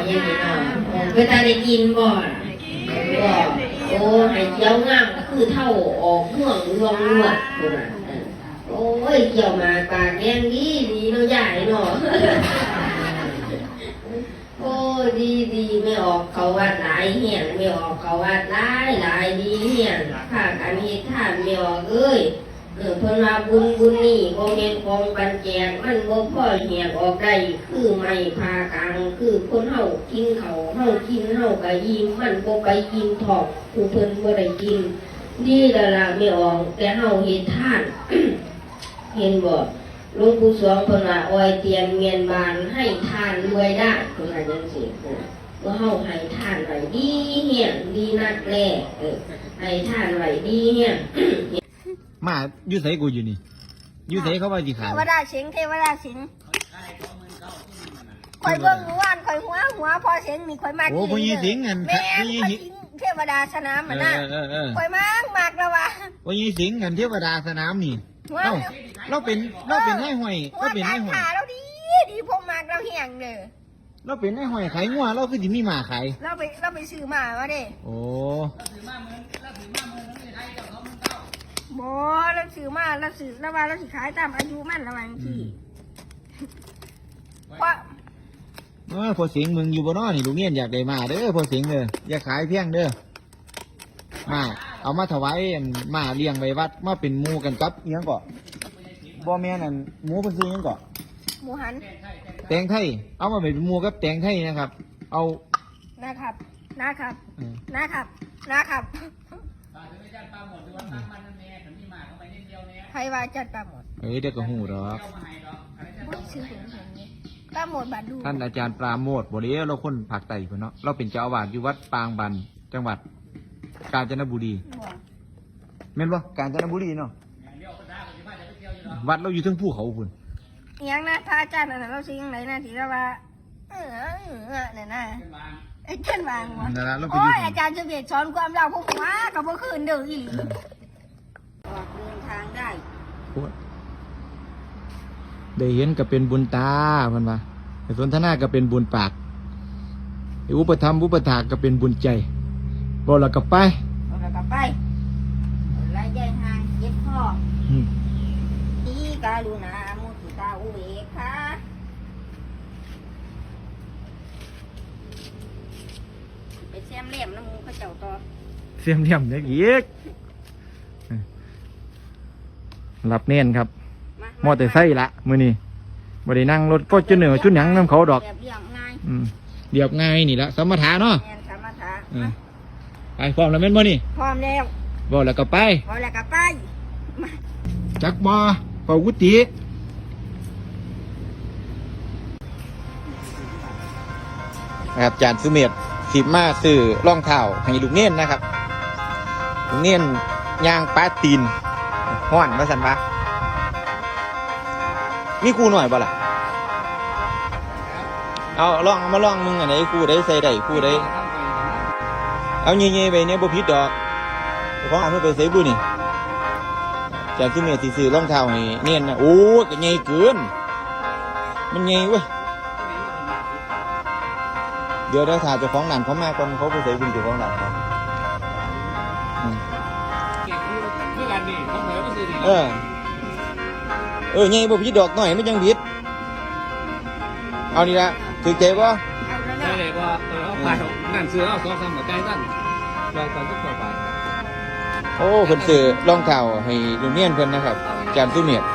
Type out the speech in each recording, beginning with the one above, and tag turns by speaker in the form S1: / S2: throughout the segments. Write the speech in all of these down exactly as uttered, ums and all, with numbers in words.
S1: ยังไงเนาะเวลาได้กินบ่บ่โอ้ให้เกี่ยวงามก็คือเท่าออกห่วงรวงรวดคนน่ะโอ้ยเกี่ยวมาปากแดงดีดีเนาะใหญ่เนาะโอ้ดีดีไม่ออกเขาวัดหลายเหี้ยนไม่ออกเขาวัดหลายหลายดีเหี้ยนข้ากันเฮ็ดท่านไม่ออกเอ้ยเออเพิ่นว่าบุญบุญนี่บ่แม่นของปันแจกมันบ่พอแหกออกได้คือไม่พากลางคือคนเฮากินข้าวเฮากินเฮาก็ยิ้มมันบ่ไปกินทอกผู้เพิ่นบ่ได้กินดีแล้วล่ะไม่ออกแต่เฮาเฮ็ดทาน เห็นบ่หลวงปู่สวงเพิ่นว่าอ้อยเตียนเมียนบานให้ทานรวยได้เพิ่นว่าจังซี่ว่าเฮาให้ทานไว้ดีเฮียงดีนักแลเออให้ทานไว้ดีเฮียง
S2: มาอยู่ไสกูอยู่นี่อยู่ไสเขาว่าสิขาย
S3: เทวดาสิงเทวดาสิงข่อยเบิ่งว่านข่อยหัวหัวพอเสียงนี่ข่อยมาก
S2: โอ้ผู้หญิงสิงกัน
S3: แม่ข่อยสิงเทวดาสนามมันน่ะข่อยมากมากแล้วว่ะ
S2: ผู้หญิงสิงกันเทวดาสนามนี่เอ้าเราเป็นเราเป็นนายห้อยเราเป็นนายห้อย
S3: เราดีดีพงมากเราเฮียงเด้อ
S2: เราเป็นนายห้อยขายงัวเราคือสิมีหมาขาย
S3: เราไปเราไปซื้อมาว่าเด้
S2: โอ้
S3: บ่เราซื้อมาเราซื้อแล้วว่าเราสิขายตามอายุมันระหว่างที่เพราะ
S2: เออพอเสียงมึงอยู่บ่น้อนี่ลูกเงี้ยอยากได้มาเด้อพอเสียงเด้ออย่าขายเพียงเด้อมาเอามาถวายมาเลี้ยงไว้วัดมาเป็นหมู่กันกับอีหยังก่อบ่แม่นอั่นหมูเพิ่นซื้อหยังก่อ
S3: หมูหัน
S2: แตงไทยเอามาเป็นหมู่กับแตงไทยนะครับเอา
S3: นะครับนะครับนะครับนะครับใครว่าจัดปลาหมด
S2: เอ้ยเดี๋ยวก็หูดอก
S3: ปลาหมดบาดู
S2: ท่านอาจารย์ปราโมทย์บ่ได้เราคนภาคใต้เพิ่นเนาะเราเป็นเจ้าอาวาสอยู่วัดปางบันจังหวัดกาญจนบุรีแม่นบ่กาญจนบุรีเนาะวัดเราอยู่เทิงภูเขาพุ่น
S3: อีหยังนะพระอาจารย์นั่นเราสิยังไงนะที่เราว่าเออเออเนี่ยนะไอ้เจ้นวางวะโอ้ยอาจารย์จะเบียดสอนความเราพวกว่ากับพวกคืนเดือดอีหลีออกเดินทางได้
S2: ได้เห็นก็เป็นบุญตาเพิ่นว่าไอ้สนทนาก็เป็นบุญปากไอ้อุปธรรมอุปถากก็เป็นบุญใจบ่แล้วก็ไป
S3: บ่แล้วก็ไปไล่ใจห่างเจ็บคอตีกาลุณามุทิตาอุเบกขาไปแซมเลี่ยมน้ำมูกเขาเจ้าต่อ
S2: เสียมเลี่ยมเด็กอีกรับเน้นครับมอเตอร์ไซค์ละมื้อนี้บ่ได้นั่งรถก็จุดเหนือชุดหยังนำเขาดอก
S3: เรียบง่าย
S2: อืมเรียบง่ายนี่ละสมถะเนาะ
S3: แม่นสมถะ
S2: ไปพร้อมแล้วแม่นบ่นี่
S3: พร้อมแล้ว
S2: บ่แล้วก็ไป
S3: บ่แล้วก็ไป
S2: จักบ่เป่ากุฏินะครับอาจารย์สุเมธสิมาซื้อรองเท้าให้ลูกเน้นนะครับลูกเน้นย่างปลาตีนฮ้อนว่าซั่นวะมีกูหน่อยบ่ล่ะเอาลองมาลองมึงอันไหนกูได้ใส่ได้กูได้เอาเงี้ยๆไปเนี่ยบ่ผิดดอกของอันนู้นไปใส่บุนี่จากที่เมียซื้อรองเท้าให้เนียนนะโอ้ก็ใหญ่เกินมันใหญ่เว้ยเดี๋ยวได้ถ่ายเจ้าของหลานเขามาก่อนเขาไปใส่บุญเจ้าของหลานเขาเออเออใหญ่บ่ผิดดอกหน่อยไม่ยังผิดเอานี่ละถือใจบ่
S4: ใช่เลยว่าเออเอาไปนั่นซื้อเอาสองสามหัวใจนั่นลองฟังทุกคนไป
S2: โอ้เพิ่นซื้อรองเท้าให้ลูกเนียนเพิ่นนะครับอาจารย์สุเมธ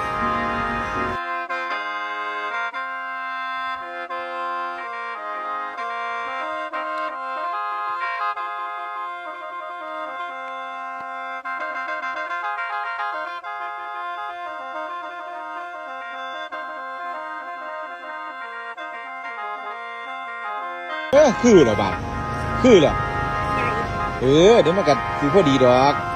S2: เออคือเหรอบาดคือเหรอเออเดี๋ยวมันก็คือพอดีดอก